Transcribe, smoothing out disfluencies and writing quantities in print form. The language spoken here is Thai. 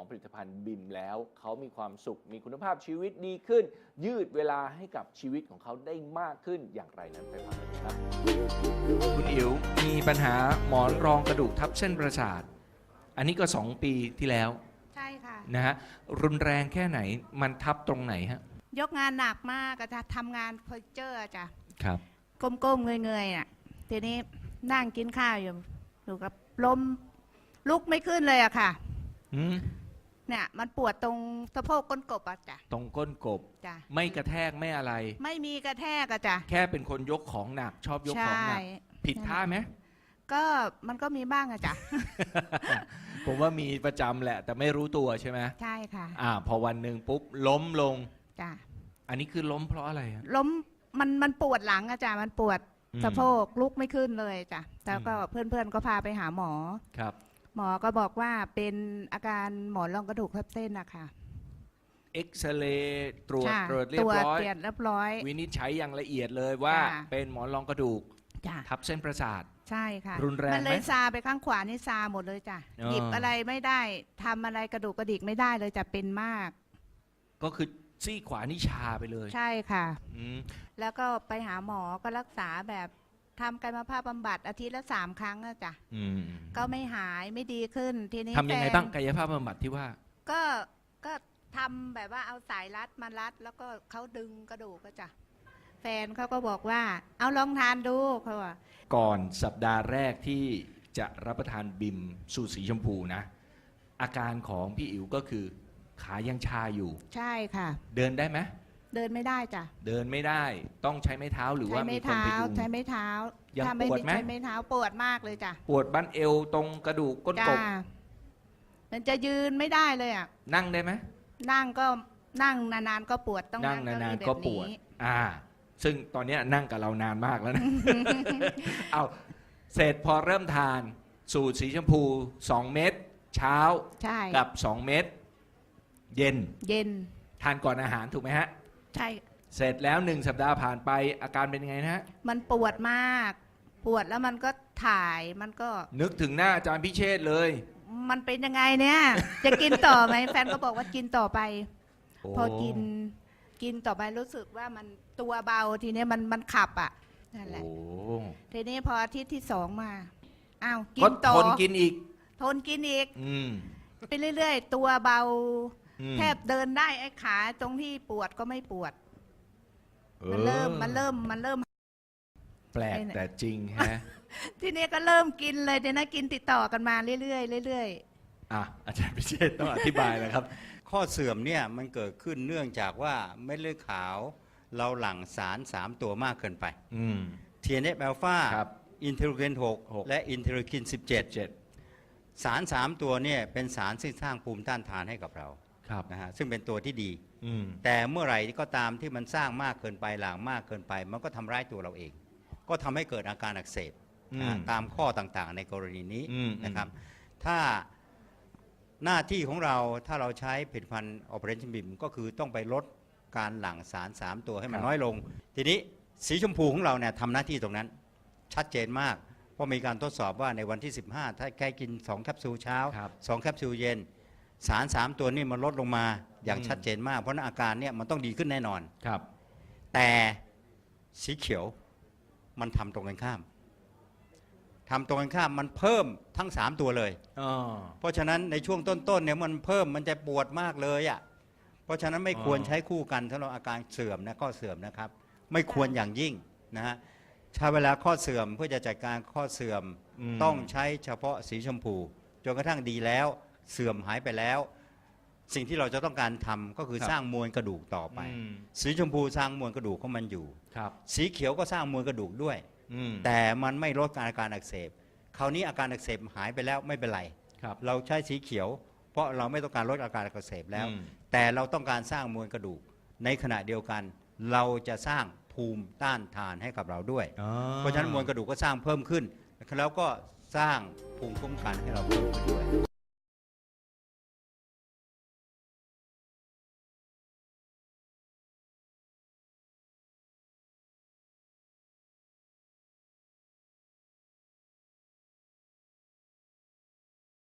ผลิตภัณฑ์บิมแล้วเขามีความสุขมีคุณภาพชีวิตดีขึ้น ยืดเวลาให้กับชีวิตของเขาได้มากขึ้นอย่างไรนั้นไปฟังกันครับคุณอิ๋วมีปัญหาหมอนรองกระดูกทับเส้นประสาทอันนี้ก็2 ปีที่แล้วใช่ค่ะนะฮะรุนแรงแค่ไหนมันทับตรงไหนฮะยกงานหนักมากจะทำงานเพอร์เจอร์จ้ะครับก้มๆเงยๆน่ะทีนี้นั่งกินข้าวอยู่กับล้มลุกไม่ขึ้นเลยอะค่ะเนี่ยมันปวดตรงสะโพกก้นกบอะจ้ะตรงก้นกบจ้ะไม่กระแทกไม่อะไรไม่มีกระแทกอะจ้ะแค่เป็นคนยกของหนักชอบยกของหนักผิดท่าไหมก็มันก็มีบ้างอะจ้ะผมว่ามีประจำแหละแต่ไม่รู้ตัวใช่ไหมใช่ค่ะพอวันหนึ่งปุ๊บล้มลงจ้ะอันนี้คือล้มเพราะอะไรล้มมันปวดหลังอะจ้ะมันปวดสะโพกลุกไม่ขึ้นเลยจ้ะแล้วก็เพื่อนๆก็พาไปหาหมอครับหมอก็บอกว่าเป็นอาการหมอนรองกระดูกทับเส้นนะคะเอ็กซเรย์ตรวจเรียบร้อยวินิจฉัยอย่างละเอียดเลยว่าเป็นหมอนรองกระดูกทับเส้นประสาทใช่ค่ะรุนแรงไหมมันเลยซาไปข้างขวานี่ซาหมดเลยจ้ะหยิบอะไรไม่ได้ทำอะไรกระดูกกระดิกไม่ได้เลยจะเป็นมากก็คือซี่ขวานี่ชาไปเลยใช่ค่ะแล้วก็ไปหาหมอก็รักษาแบบทำกายภาพบำบัดอาทิตย์ละ3 ครั้งอะจ้ะก็ไม่หายไม่ดีขึ้นทีนี้ทำยังไงบ้างกายภาพบำบัดที่ว่าก็ทำแบบว่าเอาสายรัดมารัดแล้วก็เขาดึงกระดูกก็จ้ะแฟนเขาก็บอกว่าเอาลองทานดูเขาว่าก่อนสัปดาห์แรกที่จะรับประทานบิมสูตรสีชมพูนะอาการของพี่อิ๋วก็คือขายังชาอยู่ใช่ค่ะเดินได้ไหมเดินไม่ได้จ้ะเดินไม่ได้ต้องใช้ไม้เท้าหรือว่ามีคนพยุงใช้ไม้เท้ายังปวดไหมใช้ไม้เท้าปวดมากเลยจ้ะปวดบั้นเอวตรงกระดูกก้นกบมันจะยืนไม่ได้เลยอ่ะนั่งได้ไหมนั่งก็นั่งนานๆก็ปวดต้องนั่งนานๆก็ปวดซึ่งตอนนี้นั่งกับเรานานมากแล้วนะ เอาเสร็จพอเริ่มทานสูตรสีชมพู2 เม็ดเช้ากับ2 เม็ดเย็นทานก่อนอาหารถูกไหมฮะใช่เสร็จแล้ว1 สัปดาห์ผ่านไปอาการเป็นยังไงนะฮะมันปวดมากปวดแล้วมันก็ถ่ายมันก็นึกถึงหน้าอาจารย์พิเชษเลยมันเป็นยังไงเนี่ยจะกินต่อไหมแฟนก็บอกว่ากินต่อไปพอกินต่อไปรู้สึกว่ามันตัวเบาทีนี้มันขับอ่ะนั่นแหละทีนี้พออาทิตย์ที่2มากินต่อทนกินอีกไปเรื่อยๆตัวเบาแทบเดินได้ไอ้ขาตรงที่ปวดก็ไม่ปวดมันเริ่มแปลกแต่จริงฮะทีนี้ก็เริ่มกินเลยเดี๋ยวนะกินติดต่อกันมาเรื่อยๆอาจารย์พิเชษต้องอธิบายเลยครับข้อเสื่อมเนี่ยมันเกิดขึ้นเนื่องจากว่าเม็ดเลือดขาวเราหลั่งสาร3 ตัวมากเกินไปTNF อัลฟาอินเทอร์ลีน 6และอินเทอร์ลีน 17สาร3 ตัวเนี่ยเป็นสารที่สร้างภูมิต้านทานให้กับเรานะฮะซึ่งเป็นตัวที่ดีแต่เมื่อไหร่ก็ตามที่มันสร้างมากเกินไปหลั่งมากเกินไปมันก็ทำร้ายตัวเราเองก็ทำให้เกิดอาการอักเสบตามข้อต่างๆในกรณีนี้นะครับถ้าหน้าที่ของเราถ้าเราใช้ผลิตภัณฑ์ Operation BIM ก็คือต้องไปลดการหลั่งสาร3 ตัวให้มันน้อยลงทีนี้สีชมพูของเราเนี่ยทำหน้าที่ตรงนั้นชัดเจนมากเพราะมีการทดสอบว่าในวันที่15ถ้าแค่กิน2 แคปซูลเช้า2 แคปซูลเย็นสาร3 ตัวนี้มันลดลงมาอย่างชัดเจนมากเพราะนั้นอาการเนี่ยมันต้องดีขึ้นแน่นอนแต่สีเขียวมันทำตรงกันข้ามมันเพิ่มทั้ง3 ตัวเลยเพราะฉะนั้นในช่วงต้นๆเนี่ยมันเพิ่มมันจะปวดมากเลยอ่ะเพราะฉะนั้นไม่ควรใช้คู่กันสำหรับอาการเสื่อมนะข้อเสื่อมนะครับไม่ควรอย่างยิ่งนะฮะใช้เวลาข้อเสื่อมเพื่อจะจัดการข้อเสื่อมต้องใช้เฉพาะสีชมพูจนกระทั่งดีแล้วเสื่อมหายไปแล้วสิ่งที่เราจะต้องการทำก็คือสร้างมวลกระดูกต่อไปสีชมพูสร้างมวลกระดูกของมันอยู่สีเขียวก็สร้างมวลกระดูกด้วยแต่มันไม่ลดอาการอักเสบคราวนี้อาการอักเสบหายไปแล้วไม่เป็นไรเราใช้สีเขียวเพราะเราไม่ต้องการลดอาการอักเสบแล้วแต่เราต้องการสร้างมวลกระดูกในขณะเดียวกันเราจะสร้างภูมิต้านทานให้กับเราด้วยเพราะฉะนั้นมวลกระดูกก็สร้างเพิ่มขึ้นแล้วก็สร้างภูมิคุ้มกันให้เราเพิ่มขึ้นด้วย